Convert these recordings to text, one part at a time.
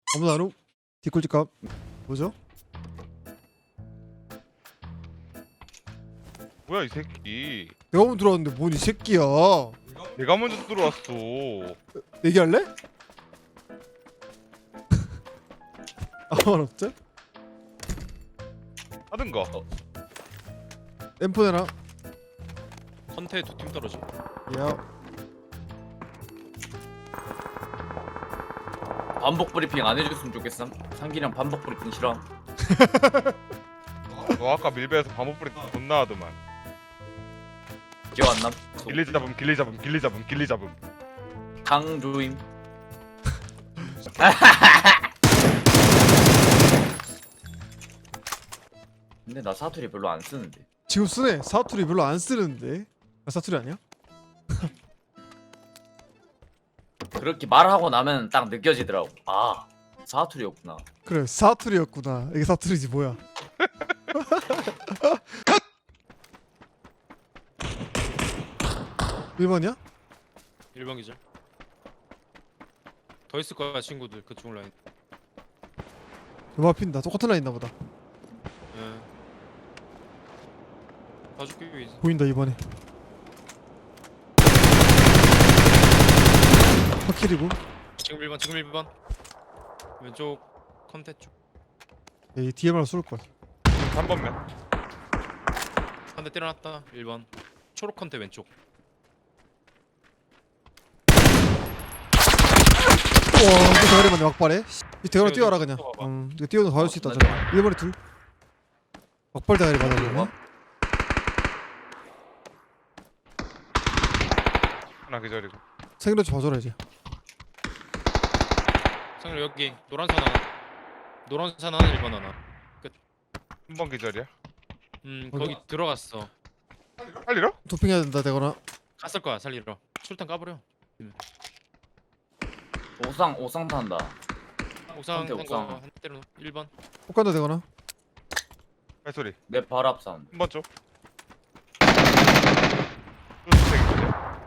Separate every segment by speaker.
Speaker 1: 아무도 안 오? 뒷골집값 뭐죠?
Speaker 2: 뭐야 이 새끼.
Speaker 1: 내가 먼저 들어왔는데 뭔 이 새끼야.
Speaker 2: 내가 먼저 들어왔어.
Speaker 1: 얘기할래? 아무 말 없죠?
Speaker 2: 하든가.
Speaker 1: 엠포 내놔.
Speaker 3: 컨테에 두 팀 떨어져.
Speaker 1: 야
Speaker 4: 반복 브리핑 안 해줬으면 좋겠음. 상기랑 반복 브리핑 싫어.
Speaker 2: 너 아까 밀배에서 반복불이 존나 하더만.
Speaker 4: 기억 안 남?
Speaker 2: 길리 잡음 길리 잡음 길리 잡음 길리 잡음.
Speaker 4: 강조임. 근데 나 사투리 별로 안 쓰는데.
Speaker 1: 지금 쓰네. 사투리 별로 안 쓰는데. 아, 사투리 아니야?
Speaker 4: 그렇게 말하고 나면 딱 느껴지더라고. 아 사투리였구나.
Speaker 1: 그래 사투리였구나. 이게 사투리지 뭐야. 일번이야?
Speaker 3: 1번 기절. 더 있을 거야 친구들 그쪽 라인.
Speaker 1: 요마 핀다. 똑같은 라인 있나 보다.
Speaker 3: 예. 봐줄게 이제.
Speaker 1: 보인다 이번에. 확킬이고.
Speaker 3: 지금 1번 지금 1번. 왼쪽 컨테 쪽.
Speaker 1: 이 DMR 쏠 거야.
Speaker 2: 3번면.
Speaker 3: 한 대 때려놨다. 1번. 초록 컨테 왼쪽.
Speaker 1: 우와 이거 대가리 맞네 막발에. 이 대가리 뛰어라 그냥.
Speaker 3: 뛰어봐봐.
Speaker 1: 이거 뛰어도 가줄 수 있다. 저 1번에 둘. 막발 대가리 맞아.
Speaker 2: 하나 기다리고.
Speaker 1: 생일로 봐줘라 이제.
Speaker 3: 상렬 여기 노란선 하나. 노란선 하나 1번 하나.
Speaker 2: 3번 기다려.
Speaker 3: 거기 들어갔어.
Speaker 2: 살리러?
Speaker 1: 도핑해야 된다 되거나.
Speaker 3: 갔을 거야 살리러. 술탄 까버려.
Speaker 4: 옥상 탄다.
Speaker 3: 옥상
Speaker 4: 컨테 옥상.
Speaker 3: 한 때려 1번.
Speaker 1: 꼭 간다 되거나.
Speaker 2: 발소리.
Speaker 4: 내 발 앞 사운드.
Speaker 2: 3번 쪽. 또 주택이거든요.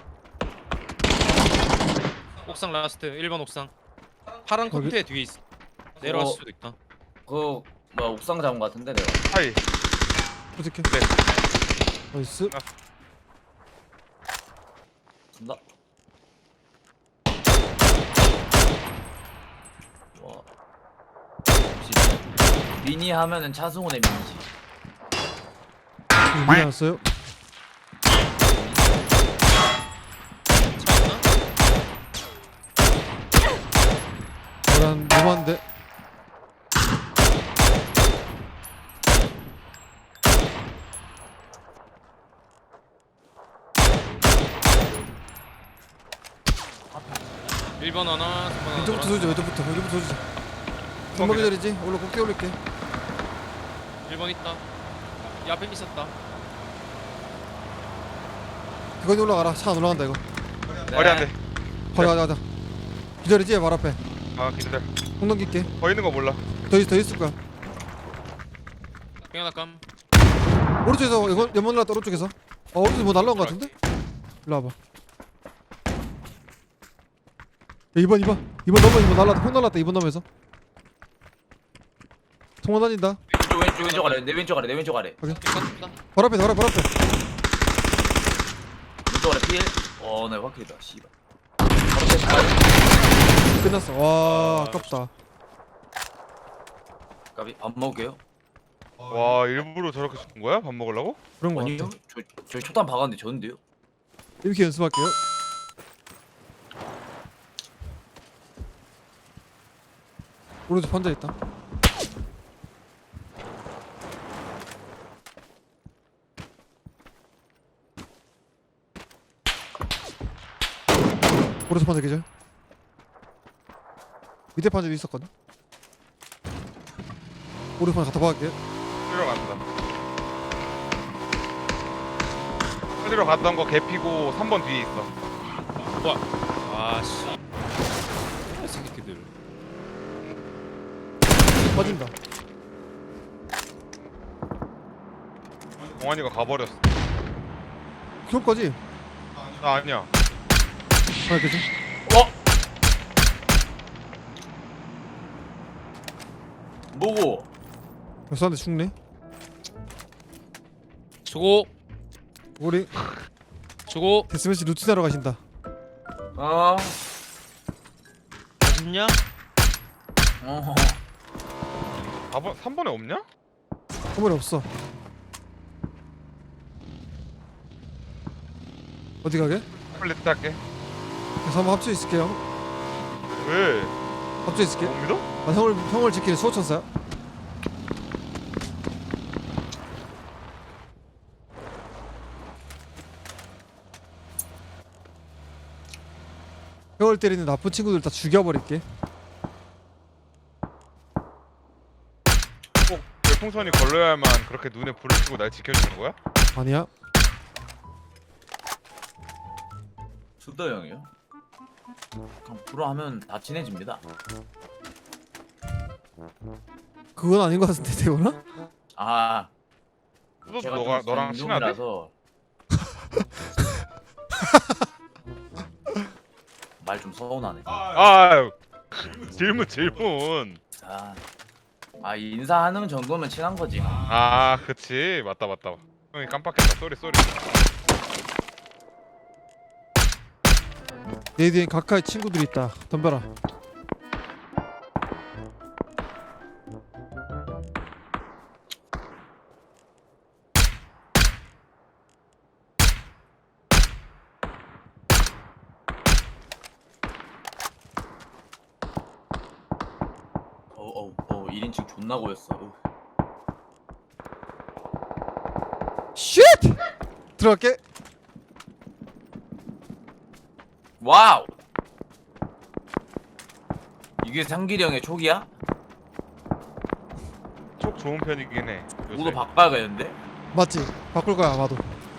Speaker 3: 옥상 라스트 1번 옥상. 파란
Speaker 1: 거기?
Speaker 3: 컨테 뒤에 있어. 내려왔을 수도 있다.
Speaker 4: 그 뭐야 옥상 잡은 거 같은데 내가.
Speaker 2: 하이.
Speaker 1: 어떻게?
Speaker 2: 네.
Speaker 1: 나이스.
Speaker 4: 간다. 와. 역시 미니 하면은 차승원의 미니지.
Speaker 1: 미니 왔어요?
Speaker 3: 차 없나?
Speaker 1: 계란 너무한데.
Speaker 3: 일번 하나, 3번 하나.
Speaker 1: 왼쪽부터 쏘자. 왼쪽부터 쏘자. 금방 기다리지? 올라 꼭 뛰어올릴게.
Speaker 3: 1번 있다. 이 앞에 있었다.
Speaker 1: 이거 올라가라. 차 안 올라간다 이거.
Speaker 2: 머리 안 돼.
Speaker 1: 가자. 기다리지 말 앞에.
Speaker 2: 아 기다려.
Speaker 1: 공 넘길게.
Speaker 2: 더 있는 거 몰라.
Speaker 1: 더 있을 거야.
Speaker 3: 뺑 하나 깜.
Speaker 1: 오른쪽에서 이거 연못 날랐다 오른쪽에서. 오른쪽 뭐 날라온 거 같은데? 일로 와봐. 야, 2번 넘어 2번 날랐다. 폭 날랐다 2번 넘어에서. 통화 다닌다.
Speaker 4: 왼쪽 아래 내 왼쪽 아래.
Speaker 3: 뺑 깠다.
Speaker 1: 발 앞에.
Speaker 4: 왼쪽 아래 필. 내 확실이다. 씨발.
Speaker 1: 끝났어. 와 아깝다.
Speaker 4: 까비 밥 먹을게요.
Speaker 2: 와 일부러 저렇게 쏜 거야? 밥 먹으려고?
Speaker 1: 그런 거
Speaker 4: 아니요.
Speaker 1: 같아.
Speaker 4: 저 초탄 박았는데 졌는데요.
Speaker 1: 이렇게 연습할게요. 오른쪽 판자 있다. 오른쪽 판자 계절. 밑에 판자도 있었거든. 오른쪽 판자 갖다 박을게.
Speaker 2: 살리러 간다. 살리러 갔던 거 개피고 3번 뒤에 있어.
Speaker 3: 아씨. 이 새끼들.
Speaker 1: 빠진다.
Speaker 2: 동환이가 가버렸어.
Speaker 1: 기억까지.
Speaker 2: 나 아니야.
Speaker 1: 하나 계절.
Speaker 4: 뭐고?
Speaker 1: 쏘는데 죽네.
Speaker 3: 수고.
Speaker 1: 우리
Speaker 3: 수고.
Speaker 1: 데스매치 루틴하러 가신다.
Speaker 4: 어.
Speaker 3: 맛있냐?
Speaker 4: 어.
Speaker 2: 4번 3번에 없냐?
Speaker 1: 선물이 없어. 어디 가게?
Speaker 2: 플레이트 할게.
Speaker 1: 그래서 한번 합쳐 있을게요.
Speaker 2: 왜?
Speaker 1: 합쳐 있을게.
Speaker 2: 못 믿어?
Speaker 1: 나 형을 지키는 수호천사야. 형을 때리는 나쁜 친구들 다 죽여버릴게.
Speaker 2: 꼭 별풍선이 걸려야만 그렇게 눈에 불을 켜고 날 지켜주는 거야?
Speaker 1: 아니야.
Speaker 4: 수더 형이요? 그냥 불어 하면 다 친해집니다.
Speaker 1: 그건 아닌 것 같은데 대원아?
Speaker 4: 아,
Speaker 2: 수도
Speaker 4: 제가
Speaker 2: 너랑 친하대?
Speaker 4: 라서 말 좀 서운하네.
Speaker 2: 아유 질문
Speaker 4: 아, 인사하는 정도면 친한 거지.
Speaker 2: 아 그치 맞다 형이 깜빡했다 쏘리
Speaker 1: 내 뒤엔 가까이 친구들이 있다. 덤벼라.
Speaker 4: 어우 1인칭 존나 고였어.
Speaker 1: 쉣! 들어갈게.
Speaker 4: 와우. 이게 상길이 형의 촉이야?
Speaker 2: 촉 좋은 편이긴 해 요새.
Speaker 4: 모두 바꿔야겠는데?
Speaker 1: 맞지? 바꿀 거야 아마도.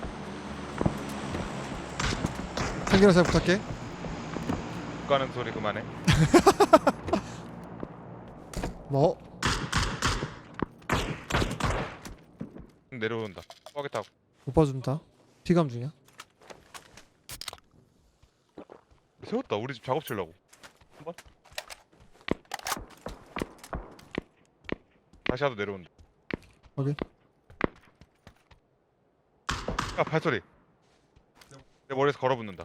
Speaker 1: 상기랑 잘 부탁해.
Speaker 2: 가는 소리 그만해.
Speaker 1: 뭐?
Speaker 2: 내려온다 뻐겠다.
Speaker 1: 못 봐준다. 피감 중이야.
Speaker 2: 세웠다 우리 집 작업실라고. 한번 다시 하도 내려온다.
Speaker 1: 오케이.
Speaker 2: 아 발소리 내 머리에서 걸어붙는다.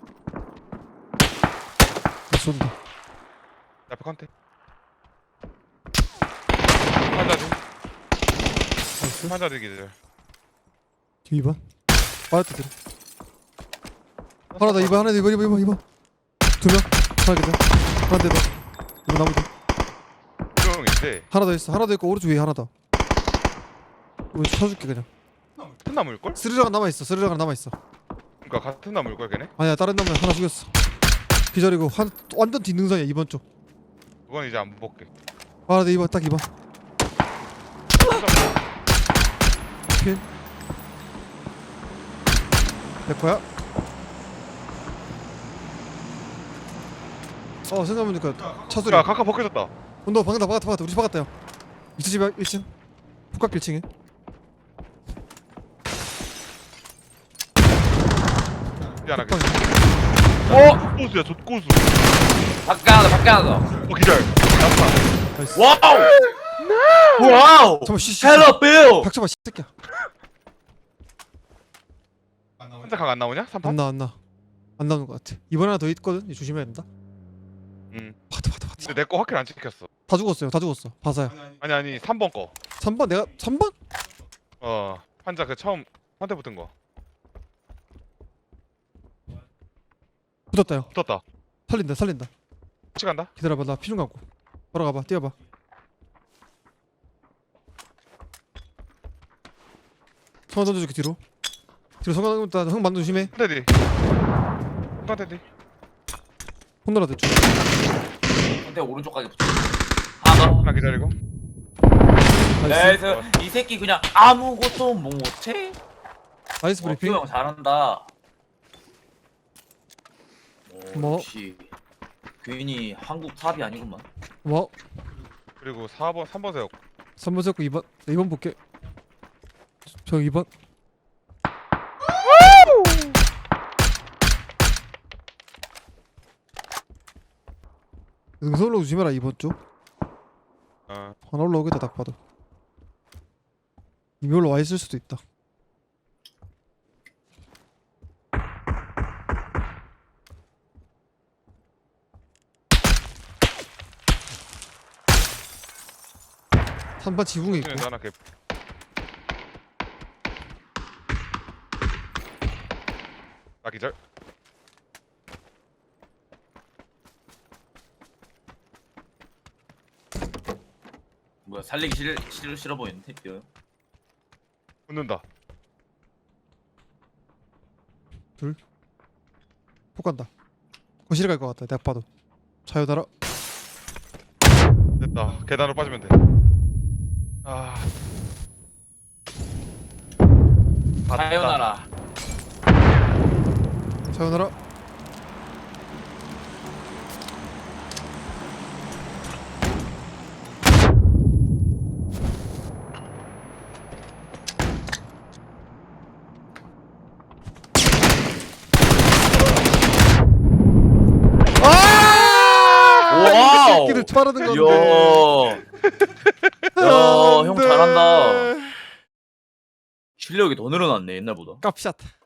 Speaker 1: 쏜다.
Speaker 2: 내 앞에 컨테 한자리
Speaker 1: 나이스.
Speaker 2: 한자리 기절.
Speaker 1: 2번. 빠졌다 들어. 하나 더 2번 하나 더 2번 2번 2명. 하나 기다. 하나 더 2번 나무 더.
Speaker 2: 형인데
Speaker 1: 하나 더 있어. 하나 더 있고 오른쪽 위에 하나 더. 이거 쳐줄게 그냥.
Speaker 2: 같은 나무일걸?
Speaker 1: 스르르가 남아 있어. 스르르가 남아 있어.
Speaker 2: 그니까 같은 나무일걸 걔네?
Speaker 1: 아니야 다른 나무 하나 죽였어. 기절이고 완전 뒷능선이야 2번 쪽.
Speaker 2: 그건 이제 안 볼게.
Speaker 1: 하나 더 2번 딱 2번. 핀. 내 거야? 생각해보니까 차 소리.
Speaker 2: 야 카카 벗겨졌다.
Speaker 1: 온도 박았다 우리 집 박았다 형. 2층 집 1층 북각 1층에.
Speaker 2: 미안하게.
Speaker 4: 어?
Speaker 2: 족고수야 족고수.
Speaker 4: 밖에 하나 더.
Speaker 2: 기절.
Speaker 1: 나이스.
Speaker 4: 와우!
Speaker 1: 잠깐만 쉬
Speaker 4: 헬로 빌!
Speaker 1: 닥쳐봐 새끼야.
Speaker 2: 혼자 강 안 나오냐? 3판?
Speaker 1: 안 나오는 것 같아. 이번에 하나 더 있거든. 이거 조심해야 된다.
Speaker 2: 응.
Speaker 1: 파트
Speaker 2: 근데 내 거 확인 안 찍혔어.
Speaker 1: 다 죽었어요. 다 죽었어. 바사야.
Speaker 2: 아니 3번 거.
Speaker 1: 3번 내가 3번?
Speaker 2: 환자 그 처음 환대 붙은 거.
Speaker 1: 붙었다 형.
Speaker 2: 붙었다.
Speaker 1: 살린다.
Speaker 2: 같이 간다.
Speaker 1: 기다려봐. 나 피 좀 감고. 바로 가봐. 뛰어봐. 성화 던져줄게 뒤로. 성화 던졌다. 형 만두 조심해.
Speaker 2: 한대 뒤. 한대 뒤.
Speaker 1: 혼나라 대충.
Speaker 4: 근데 오른쪽까지 붙어. 하나 더.
Speaker 2: 하나 기다리고.
Speaker 1: 나이스.
Speaker 4: 나이스. 이 새끼 그냥 아무것도 못해?
Speaker 1: 나이스 브리핑.
Speaker 4: 형 잘한다.
Speaker 1: 뭐?
Speaker 4: 역시 괜히 한국 탑이 아니구만.
Speaker 1: 뭐?
Speaker 2: 그리고 4번 3번 세웠고.
Speaker 1: 3번 잡고 2번. 2번 볼게. 저 2번. 능선으로 조심해라 2번 쪽.
Speaker 2: 어.
Speaker 1: 하나 올라오겠다 딱 봐도. 이미 올라와 있을 수도 있다. 한번 지붕에 있고.
Speaker 2: 도 하나 개. 아 기절.
Speaker 4: 뭐야 살리기 싫어 보이는데 뛰어요.
Speaker 2: 붙는다.
Speaker 1: 폭 간다. 거실에 갈 것 같다. 내가 봐도. 자유나라.
Speaker 2: 됐다. 계단으로 빠지면 돼. 아.
Speaker 4: 사요나라.
Speaker 1: 자유나라.
Speaker 4: 와우.
Speaker 1: 새끼들 빠르는 건데.
Speaker 4: 형
Speaker 1: 안 돼.
Speaker 4: 잘한다. 실력이 더 늘어났네 옛날보다.
Speaker 1: 깝샷.